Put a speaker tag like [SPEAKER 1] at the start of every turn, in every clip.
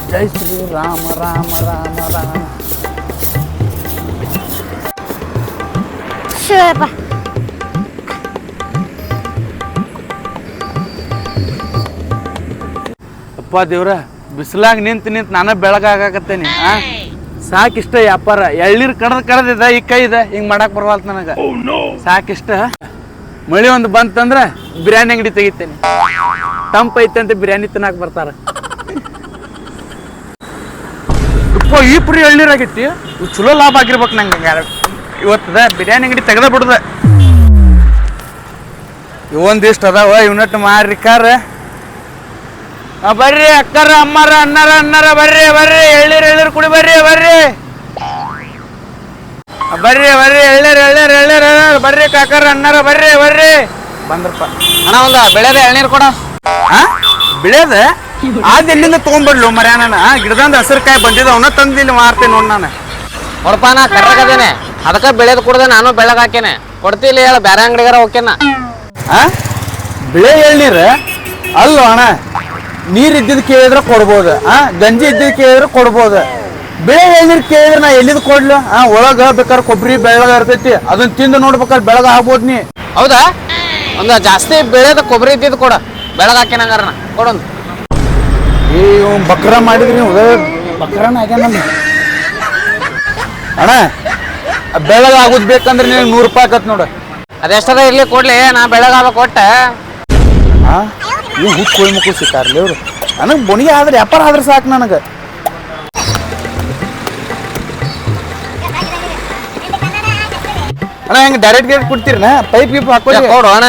[SPEAKER 1] ಜೈ ಶ್ರೀ ರಾಮ ರಾಮ ರಾಮ ರಾಮ.
[SPEAKER 2] ಶಿವಪ್ಪ
[SPEAKER 1] ಅಪ್ಪ ದೇವ್ರ, ಬಿಸಿಲಾಗ ನಿಂತು ನಾನು ಬೆಳಗಾಗತ್ತೇನಿ. ಸಾಕಿಷ್ಟ ವ್ಯಾಪಾರ. ಎಳ್ನೀರು ಕಡ್ದಿದ ಈ ಕೈ ಇದೆ, ಹಿಂಗ್ ಮಾಡಕ್ ಬರವಲ್ತ ನನಗ. ಸಾಕಿಷ್ಟ ಮಳಿ ಒಂದು ಬಂತಂದ್ರ ಬಿರಿಯಾನಿ ಅಂಗಡಿ ತೆಗಿತೇನೆ. ತಂಪ ಐತೆ ಅಂತ ಬಿರಿಯಾನಿ ತಿನ್ನಾಕ ಬರ್ತಾರ. ಈ ಪುರಿ ಎಳ್ನೀರ್ ಆಗೈತಿ, ಚಲೋ ಲಾಭ ಆಗಿರ್ಬೇಕು ನಂಗೆ. ಇವತ್ತದ ಬಿರಿಯಾನಿ ಅಂಗಡಿ ತೆಗ್ದ ಬಿಡುದ. ಇವೊಂದಿಷ್ಟು ಅದಾವ, ಇವನಟ್ಟು ಮಾರಿಕಾರ. ಬರ್ರಿ ಅಕ್ಕರ ಅಮ್ಮರ ಅಣ್ಣರ ಬರ್ರಿ ಬರ್ರಿ, ಎಳ್ನೀರು ಕುಡಿ ಬರ್ರಿ ಬರ್ರಿ ಎಳ್ನೀರ್ ಬರ್ರಿ ಕಾಕರ ಅಣ್ಣರ ಬರ್ರಿ ಬರ್ರಿ. ಬಂದ್ರಪ್ಪ
[SPEAKER 3] ಅಣ್ಣ ಒಂದ ಬೆಳೆದ ಎಳ್ನೀರು ಕೊಡ.
[SPEAKER 1] ಬೆಳೆದ ಆದ ಎಲ್ಲಿಂದ ತಗೊಂಡ್ಬಿಡ್ಲು ಮರ್ಯಾ. ನಾನು ಗಿಡದಂದ ಹಸಿರುಕಾಯಿ ಬಂದಿದ್ದ, ಅವನ್ನ ತಂದಿಲ್ಲಿ ಮಾರ್ತೇನೆ ನೋಡ್. ನಾನು
[SPEAKER 3] ಹೊರಪ ನಾ ಕರ್ರಗದೇನೆ, ಅದಕ್ಕೆ ಬೆಳೆದು ಕುಡ್ದೆ ನಾನು ಬೆಳಗ್ ಹಾಕೇನೆ. ಕೊಡ್ತಿಲ್ಲ ಹೇಳ, ಬೇರೆ ಅಂಗಡಿಗಾರ ಹೋಗ್ಯನ.
[SPEAKER 1] ಬೆಳೆ ಎಳ್ನೀರ್ ಅಲ್ಲೋ ಅಣ್ಣ. ನೀರ್ ಇದ್ದಿದ್ ಕೇಳಿದ್ರೆ ಕೊಡ್ಬೋದು, ಗಂಜಿ ಇದ್ದಿದ್ ಕೇಳಿದ್ರೆ ಕೊಡ್ಬೋದು. ಬೆಳೆ ಎಳ್ನೀರ್ ಕೇಳಿದ್ರೆ ನಾ ಎಲ್ಲಿದ್ ಕೊಡ್ಲು? ಒಳಗ ಬೇಕಾದ್ರೆ ಕೊಬ್ಬರಿ ಬೆಳಗ ಇರ್ತೈತಿ, ಅದನ್ನ ತಿಂದು ನೋಡ್ಬೇಕಾದ್ರೆ ಬೆಳಗ ಆಗ್ಬೋದು. ನೀ
[SPEAKER 3] ಹೌದಾ? ಒಂದು ಜಾಸ್ತಿ ಬೆಳೆದ ಕೊಬ್ಬರಿ ಇದ್ದಿದ್ದು ಕೊಡ, ಬೆಳಗ್ ಹಾಕೇನ ಹಂಗಾರ ಕೊಡೊಂದು.
[SPEAKER 1] ಬಕ್ರ ಮಾಡಿದ್ರಿ ನೀವು, ಬಕ್ರನ ಆಗ್ಯಾನ ಅಣ್ಣ. ಬೆಳಗ ಆಗುದ್ ಬೇಕಂದ್ರೆ ನಿನಗೆ 100 ರೂಪಾಯಿ ಆಕತ್ ನೋಡ.
[SPEAKER 3] ಅದೆಷ್ಟದ ಇರ್ಲಿ ಕೊಡ್ಲಿ, ನಾ ಬೆಳಗಾಗ ಕೊಟ್ಟ.
[SPEAKER 1] ನೀವು ಹುಟ್ಟು ಕೋಳಿ ಮಕ್ಕಳು ಸಿಕ್ಕಾರ್ಲಿ ಅವ್ರು. ನನಗೆ ಬೊಣಿಗೆ ಆದ್ರೆ ವ್ಯಾಪಾರ ಆದ್ರೆ ಸಾಕು ನನಗೆ. ಅಣ್ಣ ಹೆಂಗೆ ಡೈರೆಕ್ಟ್ ಗೇಟ್ ಕೊಡ್ತೀರಣ್ಣ? ಪೈಪ್ ಗೀಪ್ ಹಾಕೊಳ್ಳಿ
[SPEAKER 3] ಕೊಡು ಅಣ್ಣ.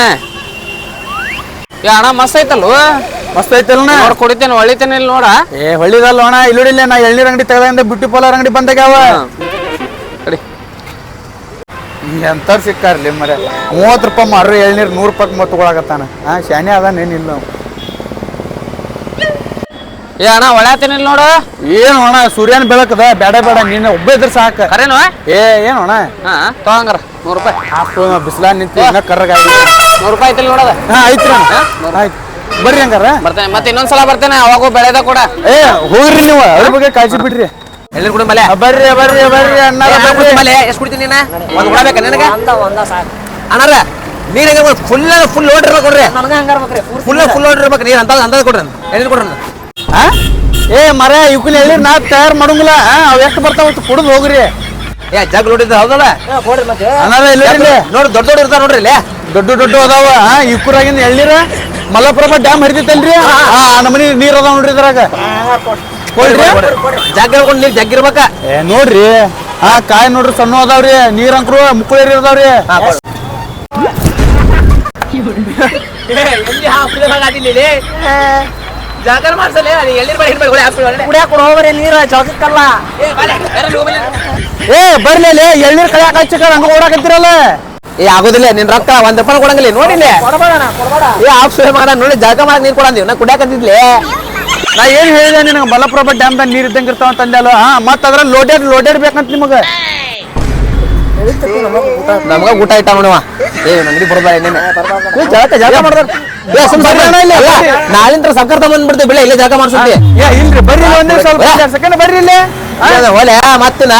[SPEAKER 3] ಅಣ್ಣ ಮಸ್ತ್ ಐತಲ್ವ?
[SPEAKER 1] ಮಸ್ತ್ ಐತಲ್ಲ
[SPEAKER 3] ನೋಡ್ ಕುಡಿತೇನೆ, ಹೊಳಿತೇನೆ ಇಲ್ಲಿ ನೋಡ.
[SPEAKER 1] ಹೊಳ್ಳಿದಲ್ಲ ಅಣ್ಣ, ಇಲ್ಲಿಡಿಲ್ಲ. ನಾ ಎಳ್ನೀರ್ ಅಂಗಡಿ ತೆಗೆದ ಬ್ಯೂಟಿ ಪಾರ್ಲರ್ ಅಂಗಡಿ ಬಂದಾಗ್ಯಾವ. ಎಂಥವ್ರು ಸಿಕ್ಕಾರ್ಲಿ ಮರ. 30 ರೂಪಾಯಿ ಮಾರ್ರಿ ಎಳ್ನೀರು, 100 ರೂಪಾಯಿ ಮತ್ತೆ ತಗೊಳಕತ್ತಾನ. ಶಾನೆ ಅದಾನೇನಿಲ್ಲ ನಾವು.
[SPEAKER 3] ಅಣ್ಣ ಹೊಳ್ಯಾತೇನೆ ಇಲ್ಲಿ ನೋಡು.
[SPEAKER 1] ಏನು ಅಣ್ಣ, ಸೂರ್ಯನ ಬೆಳಕದ. ಬೇಡ ಬೇಡ, ನೀನು ಒಬ್ಬ ಇದ್ರೆ ಸಾಕು.
[SPEAKER 3] ಕರೇನು?
[SPEAKER 1] ಏನು ಅಣ್ಣ
[SPEAKER 3] ತಗೊಂಗಾರ 100 ರೂಪಾಯಿ.
[SPEAKER 1] ಬಿಸಿಲಾಗ ನಿಂತು ಕರ್ರಗ
[SPEAKER 3] 100 ರೂಪಾಯಿ ಐತಿಲ್ಲ ನೋಡದ.
[SPEAKER 1] ಐತ್ರಿ ಆಯ್ತು, ಬರ್ರಿ ಹಂಗಾರ.
[SPEAKER 3] ಬರ್ತೇನೆ, ಮತ್ತೆ ಇನ್ನೊಂದ್ಸಲ ಬರ್ತೇನೆ. ಅವಾಗೂ ಬೆಳೆದ ಕೂಡ
[SPEAKER 1] ಹೋಗ್ರಿ ನೀವು, ಅದ್ರ ಬಗ್ಗೆ ಕಾಳಜಿ ಬಿಡ್ರಿ.
[SPEAKER 3] ಎಳ್ನೀರು ಕುಡಿ ಮಲೆ.
[SPEAKER 1] ಬರ್ರಿ ಬರ್ರಿ ಬರ್ರಿ ಅಣ್ಣ.
[SPEAKER 3] ಎಷ್ಟು ಕುಡಿತೀನಿ ನೀನ? ಒಂದು ಕೊಡಬೇಕ ನನಗೆ? ಅಣ್ಣಾರ ನೀರು ಫುಲ್ ಲೋಡ್ ಇರ್ಬೇಕು ಕೊಡ್ರಿ. ಫುಲ್ ಲೋಡ್ ಇರ್ಬೇಕು ನೀರು. ಅಂದಾಜ್ ಕೊಡ್ರಿ, ಎಳ್ನೀರು ಕೊಡ್ರಿ.
[SPEAKER 1] ಮರ ಇವಕ್ಕಿನ ಎಳ್ನೀರು ನಾ ತಯಾರು ಮಾಡಂಗಿಲ್ಲ. ಅವ್ ಎಷ್ಟು ಬರ್ತಾವ ಕುಡಿದು ಹೋಗ್ರಿ.
[SPEAKER 3] ಜಗ್ ಲೋಡ್ ಇದ್ದ ಹೌದಲ್ಲ
[SPEAKER 1] ಅಣ್ಣಾರ ಇಲ್ಲ
[SPEAKER 3] ನೋಡಿ, ದೊಡ್ಡ ದೊಡ್ಡ ಇರ್ತಾವ ನೋಡ್ರಿ ಇಲ್ಲಿ.
[SPEAKER 1] ದೊಡ್ಡ ಅದಾವ. ಇಕ್ಕೂರಾಗಿಂದ ಎಳ್ನೀರ ಮಲಪ್ರಭಾ ಡ್ಯಾಮ್ ಹರಿತೈತಲ್ರಿ, ನಮ್ಮನಿ ನೀರ್ ಅದಾವ ನೋಡ್ರಿ ಇದ್ರಾಗ.
[SPEAKER 3] ಜಗ್ ಹೇಳ್ಕೊಂಡು ನೀರ್ ಜಗ್ ಇರ್ಬೇಕ.
[SPEAKER 1] ನೋಡ್ರಿ ಕಾಯಿ ನೋಡ್ರಿ, ಸಣ್ಣ ಅದಾವ್ರಿ. ನೀರ್ ಅಂಕ್ರು ಮುಕ್ಕಳೇರಿ ಇರ್ತಾವ್ರಿ.
[SPEAKER 3] ಜಾಗರ್ ಮಾಡ್ಸಲ್ಲ
[SPEAKER 2] ಹೋಗ್ರಿ ನೀರು ಜಗಕ್ಕಲ್ಲ.
[SPEAKER 1] ಬರ್ಲಿ ಎಳ್ನೀರ್ ಕಳ್ಯಾಕ ಹಚ್ಚಕ ಹಂಗ ಓಡಾಕತ್ತಿರಲ್ಲ.
[SPEAKER 3] ಆಗೋದಿಲ್ಲ, ನಿನ್ ರೊಕ್ಕ 1 ರೂಪಾಯಿ ಕೊಡಂಗಿಲ್ಲ ನೋಡಿಲ್ಲ. ಮಾಡ ನೋಡಿ, ಜಾಗ ಮಾಡಿ ನೀರ್ ಕೊಡಂದೀವಿ. ನಾ ಕುಡಿಯಾಕತ್ತಿದ್ಲಿ.
[SPEAKER 1] ನಾ ಏನ್ ಹೇಳಿದೆ ನಿನಗೆ? ಮಲಪ್ರಭಾ ಡ್ಯಾಮ್ದಾಗ ನೀರ್ ಇದ್ದಂಗ ಇರ್ತಾವ ಅಂತಂದಲ್ಲ. ಮತ್ತ ಅದ್ರ ಲೋಡೆಡ್ ಬೇಕಂತ ನಿಮಗ.
[SPEAKER 3] ನಮಗ ಊಟ ಇಟ್ಟ ನೋಡುವ. ನಂಗಡಿ ಬರೋದ ಜಾಗ ಮಾಡ್ದ. ನಾಳಿಂದ ಸರ್ಕಾರ ತಗೊಂಡ್ಬಿಡ್ತೀವಿ ಬೆಳೆ. ಇಲ್ಲೇ ಜಾಗ ಮಾಡ್ಸುತ್ತೆ.
[SPEAKER 1] ಇಲ್ರಿ ಬರ್ರಿ, ಒಂದೇ ಸ್ವಲ್ಪ ಸೆಕೆಂಡ್ ಬರ್ರಿ ಇಲ್ಲಿ.
[SPEAKER 3] ಒಲೆ ಮತ್ತನ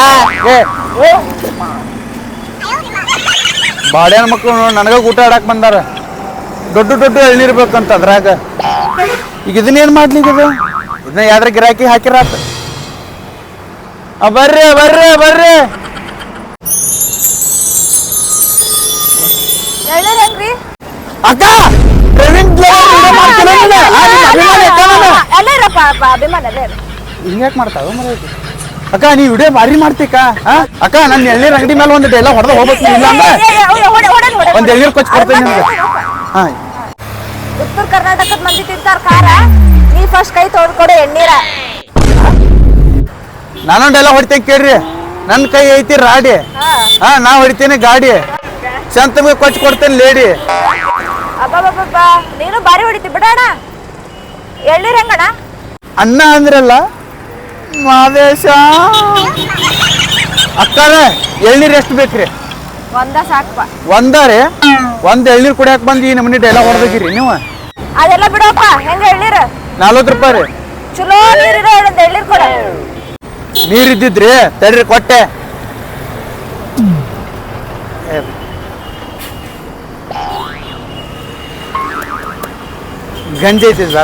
[SPEAKER 1] ಬಾಡ್ಯಾನ ಮಕ್ಳು ನನಗ ಊಟ ಆಡಕ್ ಬಂದಾರ. ದೊಡ್ಡ ಎಳ್ನೀರ್ ಬೇಕಂತ ಅದ್ರಾಗ. ಈಗ ಇದನ್ನೇನ್ ಮಾಡ್ಲಿ? ಇದನ್ನ ಯಾವ್ದ್ರ ಗಿರಾಕಿ ಹಾಕಿರಾತ. ಬರ್ರಿ ಬರ್ರಿ ಬರ್ರಿ. ಅಕ್ಕ ಹಿಂಗ್ಯಾಕ್ ಮಾಡ್ತಾವ ಮರ? ಅಕ್ಕ ನೀ ವಿಡಿಯೋ ಭಾರಿ ಮಾಡ್ತೀಕ. ಅಕ್ಕ ನನ್ನ ಎಳ್ನೀರ್ ಅಂಗಡಿ ಮೇಲೆ ಒಂದು ಡೈಲಾಗ್ ಹೊಡೆದ ಹೋಗ್ಬೇಕು. ಇಲ್ಲ ಅಂದ್ರೆ ಒಂದ್ ಎಳ್ನೀರ್ ಕೊಚ್ಚಿ ಕೊಡ್ತೇನೆ ನಿಮ್ಗೆ.
[SPEAKER 2] ಉತ್ತರ ಕರ್ನಾಟಕದ ಮಂದಿ ತಿಂತಾರ ಖಾರ, ನೀ ಫಸ್ಟ್ ಕೈ ತೊಳ್ಕೊಡು ಎಣ್ಣೀರ.
[SPEAKER 1] ನಾನೊಂದು ಡೈಲಾಗ್ ಹೊಡಿತೇನೆ ಕೇಳ್ರಿ. ನನ್ನ ಕೈ ಐತಿ ರಾಡಿ, ನಾ ಹೊಡಿತೇನೆ ಗಾಡಿ. ಚಂತಮಗೆ ಕೊಚ್ಚಿ ಕೊಡ್ತೇನೆ ಲೇಡಿ.
[SPEAKER 2] ಅಬ್ಬಬ್ಬಬ್ಬ, ನೀನು ಬಾರಿ ಹೊಡಿತಿ ಬಿಡೋಣ. ಎಳ್ನೀರ್ ಹೆಂಗಣ?
[SPEAKER 1] ಅಣ್ಣ ಅಂದ್ರಲ್ಲ ಮಾದೇಶ. ಅಕ್ಕಾರ ಎಳ್ನೀರ್ ಎಷ್ಟು ಬೇಕ್ರಿ?
[SPEAKER 2] ಒಂದ ಸಾಕಪ್ಪ.
[SPEAKER 1] ಒಂದಾರೆ ಒಂದ್ ಎಳ್ನೀರ್ ಕುಡಿಯಾಕ ಬಂದು ಈ ನಮ್ಮನಿ ಡೈಲಾಗ್ ಹೊಡೆದಿರಿ ನೀವು.
[SPEAKER 2] ಅದೆಲ್ಲ ಬಿಡಪ್ಪ. ಹೆಂಗ ಎಳ್ನೀರ್?
[SPEAKER 1] 40 ರೂಪಾಯಿ ರೀ.
[SPEAKER 2] ಚಲೋ ನೀರಿರೋ ಒಂದು ಎಳ್ನೀರ್ ಕೊಡ.
[SPEAKER 1] ನೀರ್ ಇದ್ದಿದ್ರಿ ತಡ್ರಿ ಕೊಟ್ಟೆ. ಗಂಜಿ ಐತಿ ಬೇಡ.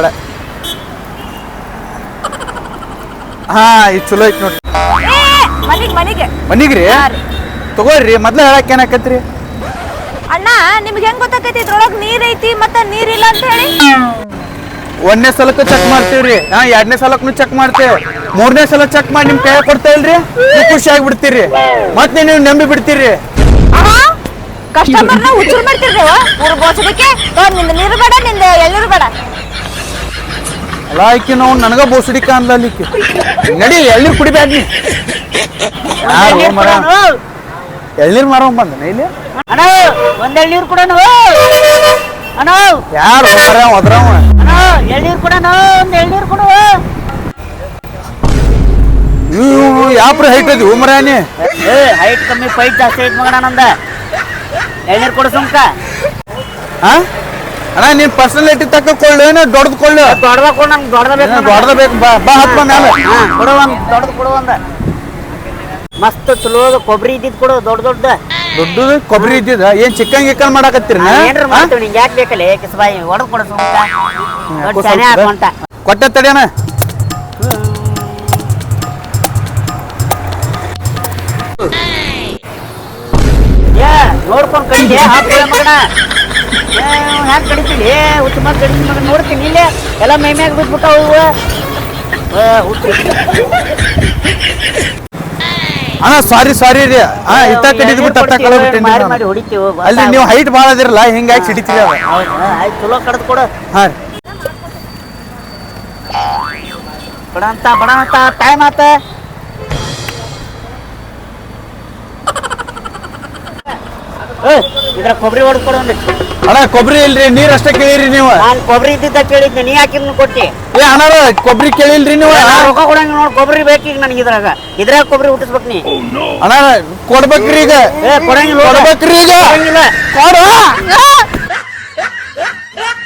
[SPEAKER 1] ಹಾ ಇದು ಚಲೋ ಐತಿ ನೋಡ್ರಿ.
[SPEAKER 2] ಮನಿಗೆ
[SPEAKER 1] ಮನಿಗ್ರಿ ತಗೋರಿ. ಮೊದ್ಲ ಹೇಳಕ್ ಏನಾಕತ್ರಿ?
[SPEAKER 2] ಅಣ್ಣ ನಿಮ್ಗೆ ಹೆಂಗ್ ಗೊತ್ತಾಕೈತಿ ಇದ್ರೊಳಗ್ ನೀರ್ ಐತಿ ಮತ್ತ ನೀರಿಲ್ಲ ಅಂತ ಹೇಳಿ?
[SPEAKER 1] ಒಂದನೇ ಸಲಕ್ಕೂ ಚೆಕ್ ಮಾಡ್ತೀವ್ರಿ. ಹಾ 2ನೇ ಸಲಕ್ಕೂ ಚೆಕ್ ಮಾಡ್ತೇವೆ. 3ನೇ ಸಲ ಚೆಕ್ ಮಾಡಿ ನಿಮ್ ಕೈ ಕೊಡ್ತಾ ಇಲ್ರಿ, ನೀವು ಖುಷಿ ಆಗ್ಬಿಡ್ತೀರಿ. ಮತ್ತೆ ನೀವು ನಂಬಿ ಬಿಡ್ತೀರಿ.
[SPEAKER 2] ಕಸ್ಟಮರ್ನ ಹುಚ್ಚುರ್ ಮಾಡ್ತಿರ್ರಿ ಊರ್ ಬೋಸಡಿಕೆ. ನಿಂದ ನೀರು ಬೇಡ, ನಿಂದ ಎಳ್ನೀರು ಬೇಡ.
[SPEAKER 1] ಅಲ್ಲ ಆಕಿ ನಾವು ನನಗ ಬೋಸಡಿಕ ಅನ್ಲಿಕ್ಕೆ ನಡಿ ಎಳ್ನೀರ್ ಕುಡಿಬ್ಯಾಡ ನೀ. ಯಾರು ಮರ ಎಳ್ನೀರ್ ಮಾರೋ ಬಂದನ ಇಲ್ಲಿ?
[SPEAKER 4] ಅಣ್ಣ ಒಂದ್ ಎಳ್ನೀರು ಕೊಡೋಣ ಅಣ್ಣ.
[SPEAKER 1] ಯಾರು ಮರ ಒದ್ರವ?
[SPEAKER 4] ಅಣ್ಣ ಎಳ್ನೀರು ಕೊಡೋಣ, ಒಂದ್ ಎಳ್ನೀರು ಕೊಡು.
[SPEAKER 1] ಯಾಪ್ರ ಹೈಟ್ ಅದಿ ಮರಾನಿ?
[SPEAKER 4] ಹೈಟ್ ಕಮ್ಮಿ ಪೈಟ್ ಜಾಸ್ತಿ ಐತ್ ಮಗಣ ನಂದ. ಎಳ್ನೀರು ಕೊಡು ಸುಮ್ಕ.
[SPEAKER 1] ಹಾ ಅಣ್ಣ ನೀನ್ ಪರ್ಸನಾಲಿಟಿ ತಕ್ಕ ಕೊಳ್ಳು ಏನೋ ದೊಡ್ಡದ್ ಕೊಳ್ಳು?
[SPEAKER 4] ದೊಡ್ಡದ ಕೊಡು, ನಂಗೆ ದೊಡ್ಡದ ಬೇಕು.
[SPEAKER 1] ದೊಡ್ಡದ ಬೇಕು. ಬಾ ಹತ್ಮ ಮ್ಯಾಲ.
[SPEAKER 4] ಕೊಡು ಒಂದ್ ದೊಡ್ಡದು ಕೊಡು. ಒಂದ ಮಸ್ತ್ ಚಲೋ ಕೊಬ್ಬರಿ ಇದ್ದಿದ್ ಕೊಡು, ದೊಡ್ಡದು.
[SPEAKER 1] ದೊಡ್ಡದು ಕೊಬ್ಬರಿ ಇದ್ದಿದ ಏನ್ ಚಿಕ್ಕನ್ ಗಿಕ್ಕನ್ ಮಾಡಾಕತ್ತೀರಿ?
[SPEAKER 4] ಏನ್ರ ಮಾಡ್ತೀವಿ ನಿಂಗೆ ಯಾಕೆ ಬೇಕಲ್ಲ ಕಿಸ್ಬಾಯಿ ಹೊಡೆದು ಕೊಡು ಸುಮ್ಕ. ದೊಡ್ಡ ಸೆನೆ ಹಾಕೊಂಟ
[SPEAKER 1] ಕೊಟ್ಟೆ ತಡಿಯಣ.
[SPEAKER 4] ಏ ನೋಡ್ಕೊಂಡ್ ಕಡಿಗೆ ಹಾಕ್ಕೊಳ್ಳ ಮಗಣ. ಹ್ಯಾಂಗ ಕಡಿತೀನಿ ಹುಚ್ಚು ಮತ್ ಕಡಿತೀನಿ ಮಗ. ನೋಡ್ತೀನಿ ಇಲ್ಲೇ ಎಲ್ಲ ಮೈ ಮ್ಯಾಗ ಬಿದ್ಬಿಟ್ಟಾವು ಹುಚ್ಚು.
[SPEAKER 1] ಅಣ್ಣ ಸಾರಿ ರೀ. ಹಾ ಇತ್ತ ಕಡಿದ್ ಬಿಟ್ಟು ಅತ್ತ ಕಳ್ಬಿಟ್ಟೇನಿ.
[SPEAKER 4] ಮಾರಿ ಮಾಡಿ ಹೊಡಿತೀವಿ.
[SPEAKER 1] ಅಲ್ಲಿ ನೀವು ಹೈಟ್ ಭಾಳ ಅದಿರಲ್ಲ, ಹಿಂಗಾಗಿ ಸಿಡಿತೀರಿ ಅವ.
[SPEAKER 4] ಆಯ್ತು ಚಲೋ ಕಡ್ದು ಕೊಡು.
[SPEAKER 1] ಹಾ ರೀ
[SPEAKER 4] ಬಡ ಅಂತ ಟೈಮ್ ಆತ. ಇದ್ರ ಕೊಬ್ಬರಿ ಹೊಡೆದು ಕೊಡು ಒಂದಿಷ್ಟು.
[SPEAKER 1] ಅಣ್ಣ ಕೊಬ್ಬರಿ ಇಲ್ರಿ, ನೀರ್ ಅಷ್ಟೇ ಕೇಳಿರಿ ನೀವು.
[SPEAKER 4] ನಾನು ಕೊಬ್ಬರಿ ಇದ್ದಿದ್ದ ಕೇಳಿದ್ದೆ, ನೀ ಹಾಕಿದ್ನ ಕೊಟ್ಟಿ.
[SPEAKER 1] ಏ ಅಣ್ಣ ಕೊಬ್ಬರಿ ಕೇಳಿಲ್ರಿ ನೀವು?
[SPEAKER 4] ರೊಕ್ಕ ಕೊಡಂಗ ನೋಡಿ ಕೊಬ್ಬರಿ ಬೇಕೀಗ ನನಗೆ. ಇದ್ರಾಗ ಕೊಬ್ಬರಿ ಹುಟ್ಟಿಸ್ಬೇಕು ನೀ.
[SPEAKER 1] ಅಣ್ಣ ಕೊಡ್ಬೇಕ್ರಿ ಈಗ.
[SPEAKER 4] ಕೊಡಂಗಿಲ್ಲ
[SPEAKER 1] ಕೊಡ್ಬೇಕ್ರಿ ಈಗ.
[SPEAKER 4] ಕೊಡಂಗಿಲ್ಲ.
[SPEAKER 1] ಕೊಡು.